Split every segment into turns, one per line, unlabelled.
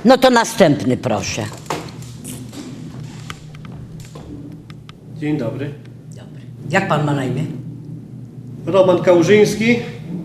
No to następny proszę.
Dzień dobry.
Dobry. Jak pan ma na imię?
Roman Kałużyński.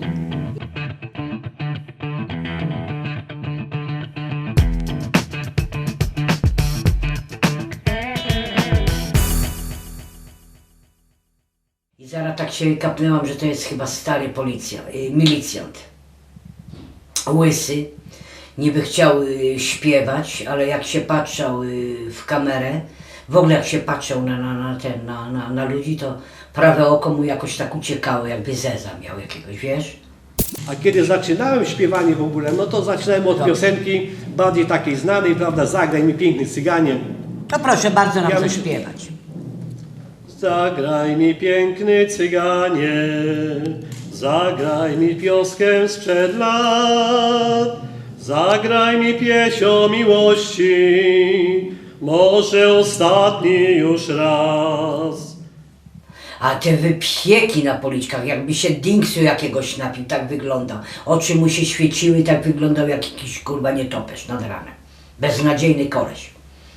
I zaraz tak się kapnęłam, że to jest chyba stary milicjant. Łysy. Niby chciał śpiewać, ale jak się patrzał w kamerę, w ogóle jak się patrzył na ludzi, to prawe oko mu jakoś tak uciekało, jakby zeza miał jakiegoś, wiesz?
A kiedy zaczynałem śpiewanie w ogóle, no to zaczynałem od piosenki bardziej takiej znanej, prawda? Zagraj mi piękny cyganie.
To proszę bardzo nam
Ja
zaśpiewać.
Zagraj mi piękny cyganie, zagraj mi pioskę sprzed lat, zagraj mi pieśń o miłości, może ostatni już raz.
A te wypieki na policzkach, jakby się dingsu jakiegoś napił, tak wyglądał. Oczy mu się świeciły, tak wyglądał jak jakiś kurwa nietoperz nad ranem. Beznadziejny koleś.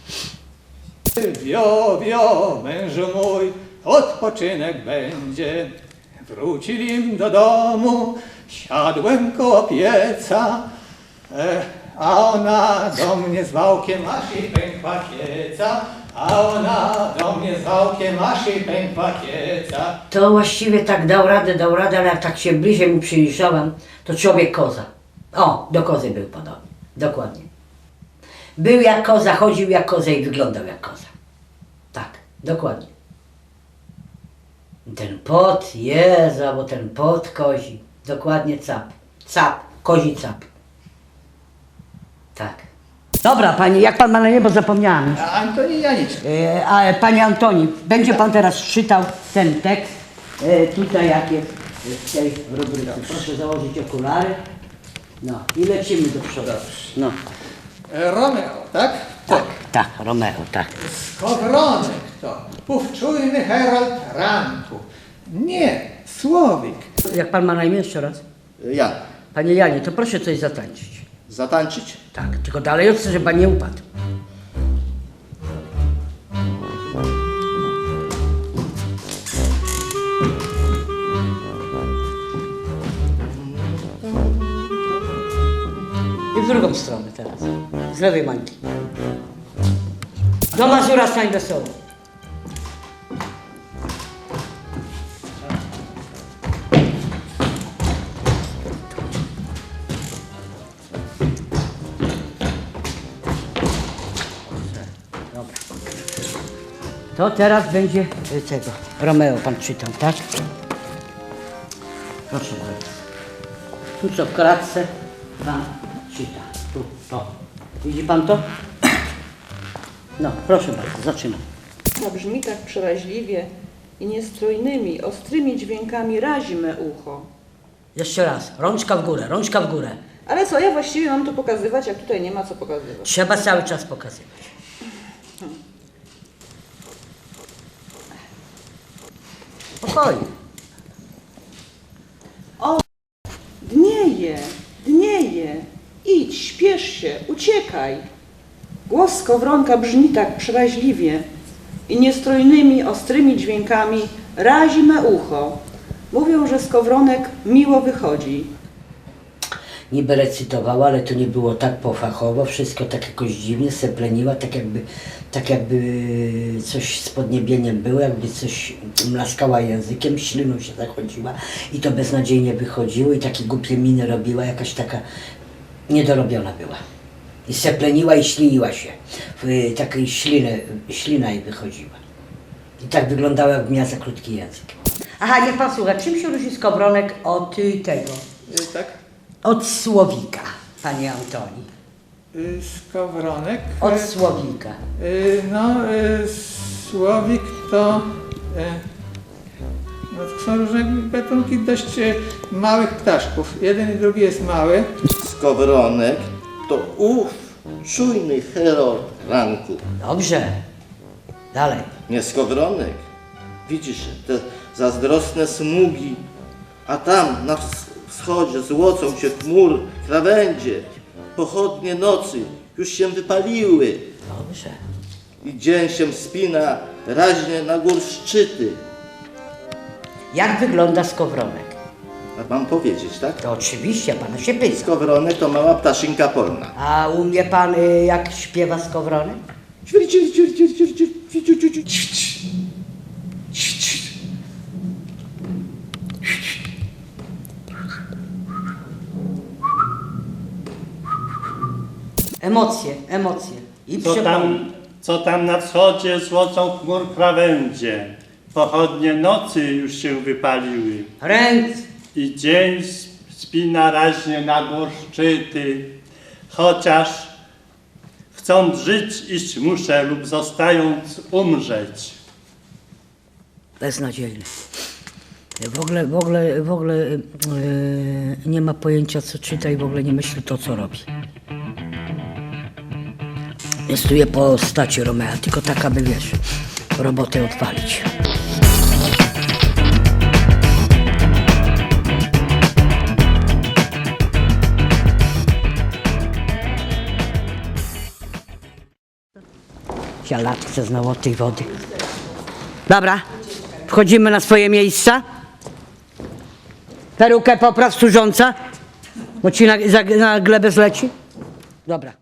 Wio, mężu mój, odpoczynek będzie. Wrócili do domu, siadłem koło pieca, a ona do mnie z wałkiem aż i pękła kieca, a ona do mnie z wałkiem aż i pękła kieca.
To właściwie tak dał radę, ale jak tak się bliżej mu przyjrzałam, to człowiek koza. O, do kozy był podobny. Dokładnie. Był jak koza, chodził jak koza i wyglądał jak koza. Tak, dokładnie. Ten pot, Jezu, bo ten pot kozi. Dokładnie cap. Cap, kozi cap. Tak. Dobra, pani, jak pan ma na niebo, zapomniałam.
Antoni Janiczek.
A panie Antoni, będzie pan teraz czytał ten tekst, tutaj jak jest w tej rubryce. Proszę założyć okulary. No i lecimy do przodu. No.
Romeo, tak?
Tak, Romeo, tak.
Skowronek to ów czujny herald ranku. Nie, Słowik.
Jak pan ma na imię jeszcze raz?
Ja.
Panie Janie, to proszę coś zatańczyć.
Zatańczyć?
Tak, tylko dalej od żeby pan nie upadł. I w drugą stronę teraz. Z lewej mańki. Do Mazura stań wesoło. Dobra. To teraz będzie tego. Romeo pan czytał, tak? Proszę bardzo. Tu co w kratce pan czyta. Tu, to. Widzi pan to? No, proszę bardzo, zaczynam.
A brzmi tak przeraźliwie i niestrojnymi, ostrymi dźwiękami razi me ucho.
Jeszcze raz. Rączka w górę, rączka w górę.
Ale co, ja właściwie mam to pokazywać, jak tutaj nie ma co pokazywać.
Trzeba cały czas pokazywać. Spokojnie.
Dnieje, idź, śpiesz się, uciekaj. Głos skowronka brzmi tak przeraźliwie i niestrojnymi, ostrymi dźwiękami razi me ucho. Mówią, że skowronek miło wychodzi.
Niby recytowała, ale to nie było tak pofachowo, wszystko tak jakoś dziwnie sepleniła, tak jakby coś z podniebieniem było, jakby coś mlaskała językiem, śliną się zachodziła i to beznadziejnie wychodziło i takie głupie miny robiła, jakaś taka niedorobiona była. I sepleniła i śliniła się, takiej ślina jej wychodziła. I tak wyglądała, jakby miała za krótki język. Aha, niech pan słucha, czym się różni skowronek od tego?
Tak?
Od słowika, panie Antoni.
Skowronek.
Od słowika.
Słowik to... No to są różne gatunki dość małych ptaszków. Jeden i drugi jest mały.
Skowronek to ów czujny herald ranku.
Dobrze. Dalej.
Nie skowronek. Widzisz te zazdrosne smugi, a tam na wschodzie złocą się chmur krawędzie. pochodnie nocy już się wypaliły
Dobrze.
i dzień się wspina raźnie na gór szczyty.
Jak wygląda skowronek?
A mam powiedzieć, tak?
To oczywiście, pana się pyta.
Skowronek to mała ptaszynka polna.
A umie pan, jak śpiewa skowronek? Emocje, emocje. I
Co tam na wschodzie złocą chmur krawędzie. Pochodnie nocy już się wypaliły.
Ręce.
I dzień spina raźnie na gór szczyty. Chociaż chcąc żyć, iść muszę lub zostając umrzeć.
Beznadziejny. W ogóle nie ma pojęcia, co czyta i w ogóle nie myśli to, co robi. Jest tu je postaci Romea, tylko tak, aby wiesz, robotę odpalić. Cialatce znowu od tej wody. Dobra, wchodzimy na swoje miejsca. Perukę popraw służąca, bo ci na glebę zleci. Dobra.